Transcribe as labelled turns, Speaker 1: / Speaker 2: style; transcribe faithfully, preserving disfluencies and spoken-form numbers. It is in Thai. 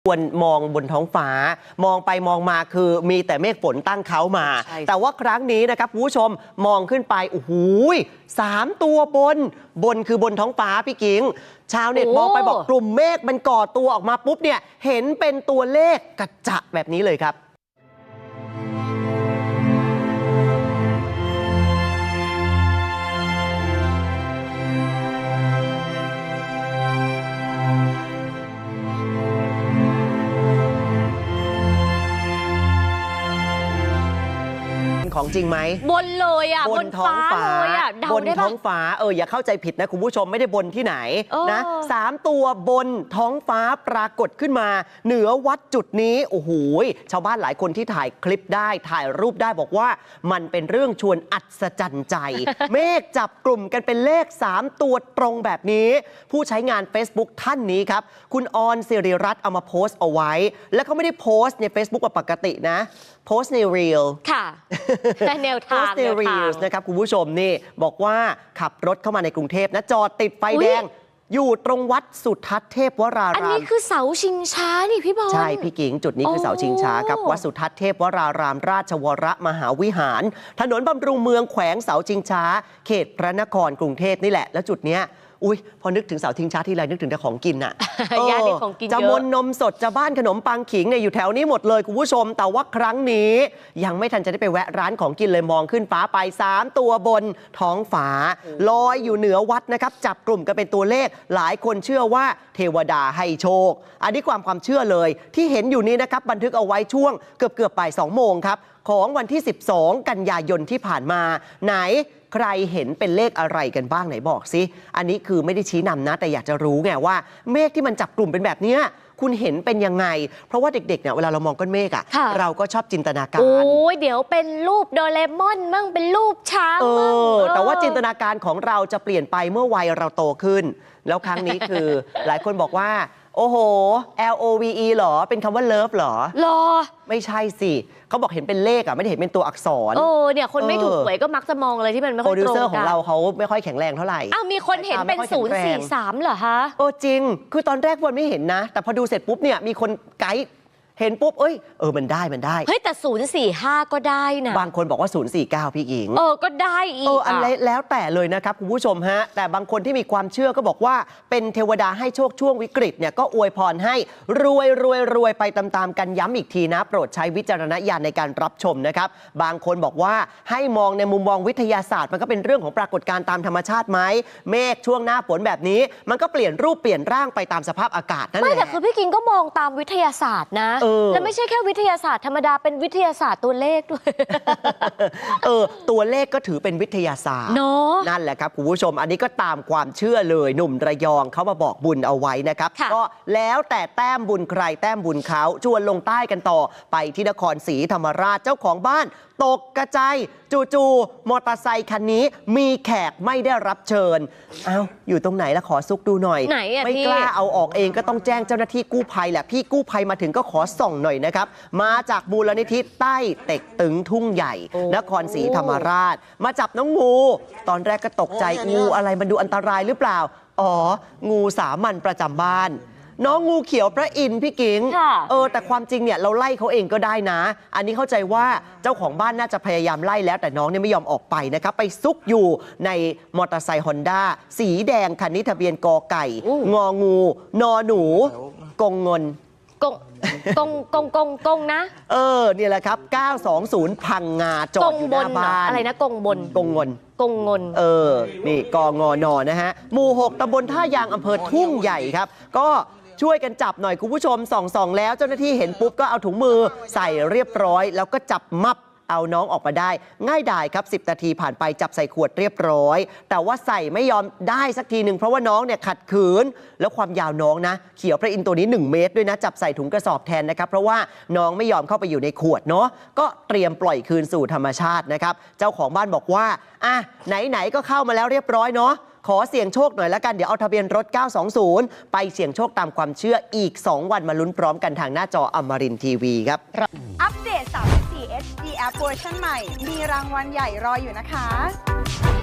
Speaker 1: ควรมองบนท้องฟ้ามองไปมองมาคือมีแต่เมฆฝนตั้งเขามาแต่ว่าครั้งนี้นะครับคุณผู้ชมมองขึ้นไปโอ้โหสามตัวบนบนคือบนท้องฟ้าพี่กิ๊งชาวเน็ตมองไปบอกกลุ่มเมฆมันก่อตัวออกมาปุ๊บเนี่ยเห็นเป็นตัวเลขกระจะแบบนี้เลยครับของจริงไหม
Speaker 2: บนเลยอ่ะบนท้องฟ้าเลยอ่ะ
Speaker 1: บนท้องฟ้าเอออย่าเข้าใจผิดนะคุณผู้ชมไม่ได้บนที่ไหนนะสามตัวบนท้องฟ้าปรากฏขึ้นมาเหนือวัดจุดนี้โอ้โหชาวบ้านหลายคนที่ถ่ายคลิปได้ถ่ายรูปได้บอกว่ามันเป็นเรื่องชวนอัศจรรย์ใจ เมฆจับกลุ่มกันเป็นเลขสามตัวตรงแบบนี้ผู้ใช้งาน Facebook ท่านนี้ครับคุณออนสิริรัตน์เอามาโพสต์เอาไว้และเขาไม่ได้โพสต์ใน Facebook แบบปกตินะโพสต์ใน Reel
Speaker 2: ค่ะแนวทาง
Speaker 1: โพสต์ใน Reels นะครับคุณผู้ชมนี่บอกว่าขับรถเข้ามาในกรุงเทพนะจอดติดไฟแดงอยู่ตรงวัดสุทัศน์เทพวรารามอัน
Speaker 2: นี้คือเสาชิงช้านี่พี่บอล
Speaker 1: ใช่พี่กิ่งจุดนี้คือเสาชิงช้าครับวัดสุทัศน์เทพวรารามราชวรมหาวิหารถนนบำรุงเมืองแขวงเสาชิงช้าเขตพระนครกรุงเทพนี่แหละแล้วจุดเนี้ยอุ้ยพอนึกถึงเสาชิงช้าที่ไรนึกถึงแต่ของกินอ่ะ
Speaker 2: ย่านของกินเยอะ
Speaker 1: จะมนนมสดจะบ้านขนมปังขิงเนี่ยอยู่แถวนี้หมดเลยคุณผู้ชมแต่ว่าครั้งนี้ยังไม่ทันจะได้ไปแวะร้านของกินเลยมองขึ้นฟ้าไปสามตัวบนท้องฟ้าลอยอยู่เหนือวัดนะครับจับกลุ่มกันเป็นตัวเลขหลายคนเชื่อว่าเทวดาให้โชคอันนี้ความความเชื่อเลยที่เห็นอยู่นี้นะครับบันทึกเอาไว้ช่วงเกือบเกือบบ่ายสองโมงครับของวันที่สิบสองกันยายนที่ผ่านมาไหนใครเห็นเป็นเลขอะไรกันบ้างไหนบอกสิอันนี้คือไม่ได้ชี้นำนะแต่อยากจะรู้ไงว่าเมฆที่มันจับกลุ่มเป็นแบบนี้คุณเห็นเป็นยังไงเพราะว่าเด็กๆเนี่ยเวลาเรามองก้อนเมฆอ่ะเราก็ชอบจินตนาการ
Speaker 2: โอ้ยเดี๋ยวเป็นรูปโดเรมอนมั่งเป็นรูปช้างมั่ง
Speaker 1: แต่ว่าจินตนาการของเราจะเปลี่ยนไปเมื่อวัยเราโตขึ้นแล้วครั้งนี้คือ หลายคนบอกว่าโอ้โห L O V E หรอเป็นคำว่า love หรอ
Speaker 2: หรอ
Speaker 1: ไม่ใช่สิเขาบอกเห็นเป็นเลขอ่ะไม่ได้เห็นเป็นตัวอักษร
Speaker 2: โอ้เนี่ยคนไม่ถูกหวยก็มักจะมองอะไรที่มันไม่ค่อยตรงกันโปรดิวเซอร์
Speaker 1: ของเราเขาไม่ค่อยแข็งแรงเท่าไหร่
Speaker 2: อ้าวมีคนเห็นเป็นศูนย์สี่สามเหรอคะ
Speaker 1: โอ้จริงคือตอนแรกวันไม่เห็นนะแต่พอดูเสร็จปุ๊บเนี่ยมีคนไกด์เห็นปุ๊บเอ้ยเออมันได้มันได้
Speaker 2: เฮ้ยแต่ศูนย์สี่ห้าก็ได้นะ
Speaker 1: บางคนบอกว่าศูนย์สี่เก้าพี่หญิง
Speaker 2: เออก็ได้อีก
Speaker 1: เอออันแล้วแต่เลยนะครับคุณผู้ชมฮะแต่บางคนที่มีความเชื่อก็บอกว่าเป็นเทวดาให้โชคช่วงวิกฤตเนี่ยก็อวยพรให้รวยรวยรวยไปตามๆกันย้ำอีกทีนะโปรดใช้วิจารณญาณในการรับชมนะครับบางคนบอกว่าให้มองในมุมมองวิทยาศาสตร์มันก็เป็นเรื่องของปรากฏการณ์ตามธรรมชาติไหมเมฆช่วงหน้าฝนแบบนี้มันก็เปลี่ยนรูปเปลี่ยนร่างไปตามสภาพอากาศนั่นแหละ
Speaker 2: ไม่แต่คือพี่กิงก็มองตามวิทยาศาสตร์นะและไม่ใช่แค่วิทยาศาสตร์ธรรมดาเป็นวิทยาศาสตร์ตัวเลขด้วย
Speaker 1: เออตัวเลขก็ถือเป็นวิทยาศาสตร์นั่นแหละครับคุณผู้ชมอันนี้ก็ตามความเชื่อเลยหนุ่มระยองเขามาบอกบุญเอาไว้นะครับก็แล้วแต่แต้มบุญใครแต้มบุญเขาชวนลงใต้กันต่อไปที่นครศรีธรรมราชเจ้าของบ้านตกกระจายจู่ๆมอเตอร์ไซคันนี้มีแขกไม่ได้รับเชิญเอาอยู่ตรงไหนละขอซุกดูหน่อยไม่กล้าเอาออกเองก็ต้องแจ้งเจ้าหน้าที่กู้ภัยแหละพี่กู้ภัยมาถึงก็ขอส่องหน่อยนะครับมาจากมูลนิธิใต้เต็กตึงทุ่งใหญ่นครศรีธรรมราชมาจับน้องงูตอนแรกก็ตกใจงูอะไรมันดูอันตรายหรือเปล่าอ๋องูสามัญประจำบ้านน้องงูเขียวพระอินทร์พี่กิ๊งเออแต่ความจริงเนี่ยเราไล่เขาเองก็ได้นะอันนี้เข้าใจว่าเจ้าของบ้านน่าจะพยายามไล่แล้วแต่น้องเนี่ยไม่ยอมออกไปนะครับไปซุกอยู่ในมอเตอร์ไซค์ฮอนด้าสีแดงคันนี้ทะเบียนกอไก่งองูนอหนูกงเงิน
Speaker 2: กงกงกงกงกงนะ
Speaker 1: เออเนี่ยแหละครับเก้าสองศูนย์พังงาจอดอยู่หน้าบ้าน
Speaker 2: อะไรนะกงบน
Speaker 1: กงเงิน
Speaker 2: กงเงิน
Speaker 1: เออนี่กงนอนะฮะหมู่หกตำบลท่ายางอำเภอทุ่งใหญ่ครับก็ช่วยกันจับหน่อยคุณผู้ชมส่องส่องแล้วเจ้าหน้าที่เห็นปุ๊บก็เอาถุงมือใส่เรียบร้อยแล้วก็จับมับเอาน้องออกมาได้ง่ายดายครับสิบนาทีผ่านไปจับใส่ขวดเรียบร้อยแต่ว่าใส่ไม่ยอมได้สักทีหนึ่งเพราะว่าน้องเนี่ยขัดขืนแล้วความยาวน้องนะเขียวพระอินทร์ตัวนี้หนึ่งเมตรด้วยนะจับใส่ถุงกระสอบแทนนะครับเพราะว่าน้องไม่ยอมเข้าไปอยู่ในขวดเนาะก็เตรียมปล่อยคืนสู่ธรรมชาตินะครับเจ้าของบ้านบอกว่าอ่ะไหนๆก็เข้ามาแล้วเรียบร้อยเนาะขอเสี่ยงโชคหน่อยละกันเดี๋ยวเอาทะเบียนรถเก้าสองศูนย์ไปเสี่ยงโชคตามความเชื่ออีกสองวันมาลุ้นพร้อมกันทางหน้าจออมรินทร์ทีวีครับ
Speaker 3: อัปเดต สามสิบสี่ เอช ดี App เวอร์ชันใหม่มีรางวัลใหญ่รออยู่นะคะ